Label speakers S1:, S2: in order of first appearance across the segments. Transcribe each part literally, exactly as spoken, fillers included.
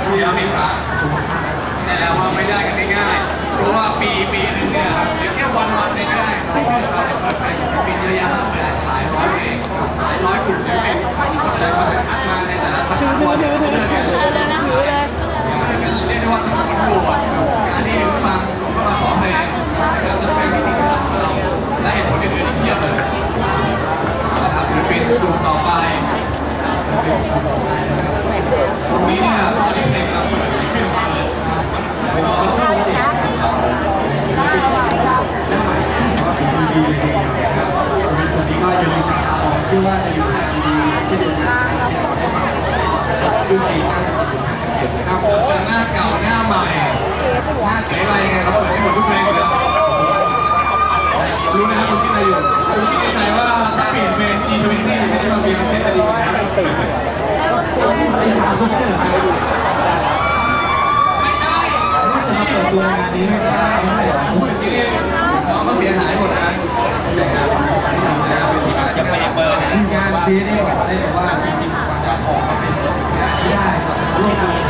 S1: เดี๋ยวมีพระแต่แล้วว่าไม่ได้กันง่ายๆเพราะว่าปีปีนึงเนี่ยหรือแค่วันวันนึงก็ได้เราเนี่ยเปิดไปปีระยะหลายร้อยเองหลายร้อยกลุ่มเนี่ยเป็นอะไรก็จะคัดมาในแต่ละสัปดาห์วันเดือนเดือนเดือนนะถือเลยเรียกได้ว่าทั้งหมดทั้งมวลการที่ฟังส่งเข้ามาขอเพลงนะครับจะเป็นสิ่งที่สำคัญเราและเหตุผลอื่นๆอีกเยอะเลยนะครับศิลปินกลุ่มต่อไปตรงนี้เนี่ยตอนนี้เพลงเราเปิดขึ้นมาเลยเป็นคนที่ดีเลยเป็นคนที่ก็ยังมีจับตามองชื่อว่าจะอยู่ทางดีที่เดินทางดูดีมากครับหน้าเก่าหน้าใหม่หน้าเก๋อะไรไงเราเปิดให้หมดทุกเพลงเลยรู้ไหมครับคุณคิดอะไรอยู่คุณคิดในใจว่าถ้าเปลี่ยนเป็น จี ทเวนตี้ ไม่ได้มาเปลี่ยนเป็นเทสดีนะไอ้ถามคุณคิดอะไรอยู่ไม่ใช่จะมาเปิดตัวงานนี้ไม่ใช่พูดอย่างนี้น้องก็เสียหายหมดนะ
S2: จะไปเปิด
S1: งานซีนี่บอกได้เลยว่าจริงๆกว่าจะออกมาเป็นงานที่ได้ร่วมกัน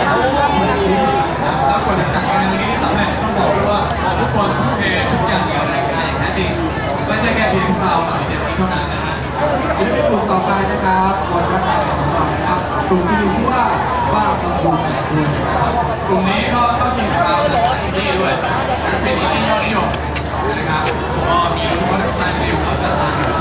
S1: แล้วกว่าจะจัดงานนี้สำเร็จต้องบอกด้วยว่าทุกคนทุ่มเททุกอย่างเกี่ยวกับรายการอย่างแท้จริงไม่ใช่แค่เพียงเราหน่อยเจ็ดปีเท่านั้นนะฮะนี่เป็นกลุ่มต่อไปนะครับวันรักษาของเราครับกลุ่มที่มีชื่อว่าบ้าประตูแปดดวงกลุ่มนี้ก็เข้าชิงกับเราในอินดี้ด้วยเป็นอินดี้ยอดนิยมนะครับก็มีรู้ว่านักแสดงที่อยู่เขาจะต่างกัน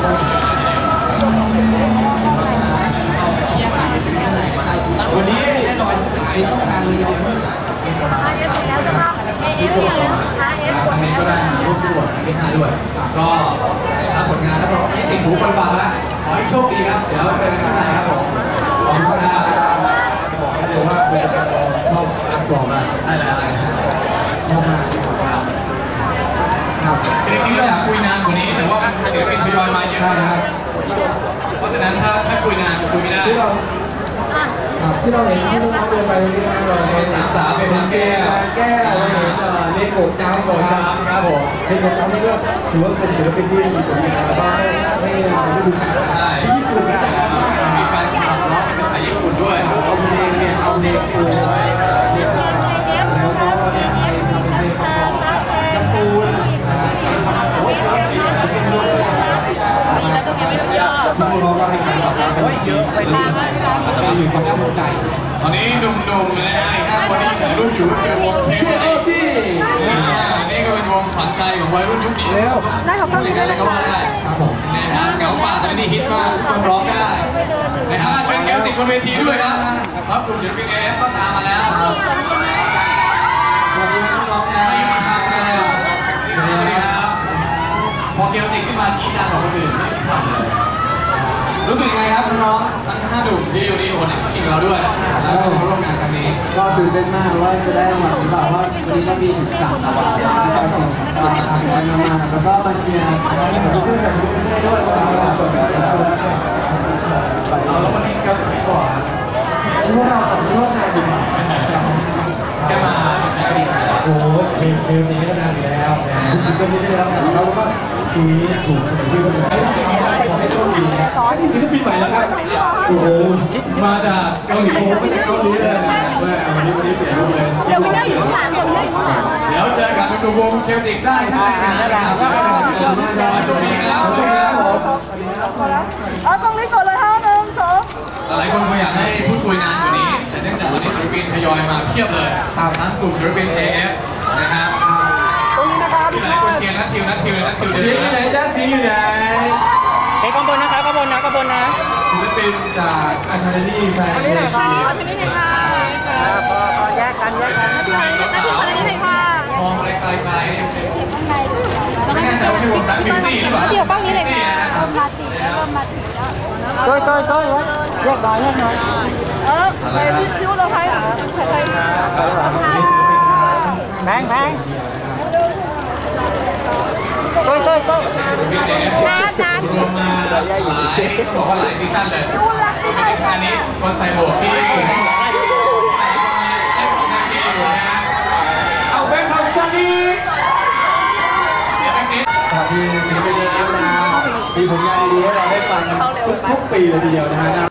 S1: วันนี้แน่นอนหลายช่องทางเลยทีเดียว
S3: แล้วจะมาเอฟอย่างนะคะเอฟ
S1: ทางนี้ก็ได้ร่วมสวดที่ห้าด้วยก็ถ้าผลงานแล้วก็ไม่ติดหูคนฟังแล้วขอให้โชคดีครับเดี๋ยวเจอกันข้างในครับผมขอบคุณครับจะบอกให้เลยว่าคุณจะชอบอัพกรอบมากได้แล้วชอบมากครับครับจริงๆเราอยากคุยนานกว่านี้แต่ว่าเดี๋ยวเป็นทยอยมาเยอะนะครับเพราะฉะนั้นถ้าถ้าคุยนานจะคุยไม่ได้
S4: ที่เราเห็นที่น้องๆเดินไปตรงนี้นะเรา
S1: เป็นสามสาวเป็นทางแก้
S4: แก้เราเห็นเล่นโกดจ้ำโกดจ้ำ
S1: ครับผม
S4: เล่นโกดจ้ำนี่ก็ถือว่าเป็นศิลปินที่มีผลงานแล้วก็ให้ให้ฤดูกาล
S1: ใช่
S4: ที่ญี่ปุ่นแต่
S1: มีการขับร้องเป็นภาษาญี่ปุ่นด้วย
S4: เอาเพลงเนี่ยเอาเพลงปูเนี่ยแล้วก็เนี่ยทำเป็นเพลงประกอบการ์ตูนโอ้ยเป็นด้วยทุกคนเราก็ให้การตอบรับเป็นเยอะไปมากเป็นอยู่ความภูมิใจ
S1: ตอนนี้หนุ่มๆเลยนะอีกห้าคนที่ถ่ายรูปอยู่เป็นวงเทป
S4: ที่
S1: นี่ก็เป็นวงขวัญใจของวัยรุ่นยุคนี้
S3: ได้ขอบคุณ
S1: เลยก็ว่าได้ครับผมนะฮะเงาป่าตอนนี้ฮิตมากต้องร้องได้นะฮะเชิญแก้วติดบนเวทีด้วยครับครับกลุ่มศิลปินเอฟก็ตามมาแล้วขอบคุณน้องๆนะที่มาทำเลยสวัสดีครับพอเกียวติดขึ้นมากีดดังกว่าคนอื่นไม่ทำเลยรู้สึกยังไงครับน้องๆทั้งห้าหนุ่มที่อยู่นี่คนนี้ชิงเราด้วยแล้วก็มาร่วมงานครั้งนี้
S4: ก็ตื่นเต้นมากว่าจะได้มาหรือเปล่าว่าวันนี้ก็มีถึงสามสาวที่มาชมมาทำงานมาแล้วก็มาเชียร์เพื่อนกับเพื่อนด้วยว่าเปิดแบบนี้แล้ว
S1: เอาแล้ววันนี้ก็ไม่ก่อน
S4: พวกเรากับพวกนายดี
S1: แค่มา
S4: โอ้โหเพลงเพลงนี้ก็นานอยู่แล้วจริงๆก็ไม่ได้รับแต่เราก็ทีนี้ถูกเสนอชื่อก็เลยขอให้โชคดีนะนี่ศิลปินใหม่แล้วครับโอ้โหมาจากเกาหลีมาจากเกาหลีเลยวันนี้วันนี้เปลี่ยนรูปเลย
S3: เดี๋ยวไม่ได้อยู่ข้างหลังเดี๋ยวไม่ได้อยู่ข้างหลัง
S1: เดี๋ยวเจอกันเป็นวงเคลติกได้ใช่ไหมครับโชคดีครับโชคดีครับผม
S3: เอาตรงนี้ก่อนเลยห้าหนึ่งสอง
S1: หลายคนคงอยากให้พูดคุยนานกว่านี้แต่เนื่องจากตอนนี้ศิลปินทยอยมาเพียบเลยทั้งกลุ่มศิลปิน เอ เอฟ นะครับที่หลายคนเชียร์นัททิวนัททิวนัททิวเดือด
S4: สีอยู่ไหนจ้าสีอยู่ไหน
S2: เฮ้ยข้างบนนะครับข้างบนนะข้างบนนะ
S4: ศิลปินจากอันเทอร์นี่แฟนเซชี
S3: อันนี้เลยค่ะ
S2: พอพอแยกกันแยกกัน
S3: นัททิวอันนี้เลยค่ะ
S1: มองอะไรไกลๆไม่แน่ใจว่าใช่วงแบล็คบิวตี้หรือเปล่า
S3: เดี๋ยวกล้องนี้เลยค่ะเริ่มมาสีเริ่มมาสีแล้ว
S2: ต้อยต้อยต้อยไว้แยกหน่อยแยกหน่อย
S3: เออไปพิ้วเราใครใครใคร
S2: แพงแพงต้อยต้อยต้อย
S3: นัดนัด
S1: รวมมาหลายบอกว่าหลายซีซั่นเลยอันนี้คนใส่หมวกที่เอาแบงค์ทำซันนี่เดี๋ยวแบงค์นี้
S4: สวัสดีศิลปินเอฟนะมีผลงานดีๆให้เราได้ฟังทุกๆปีเลยทีเดียวนะฮะ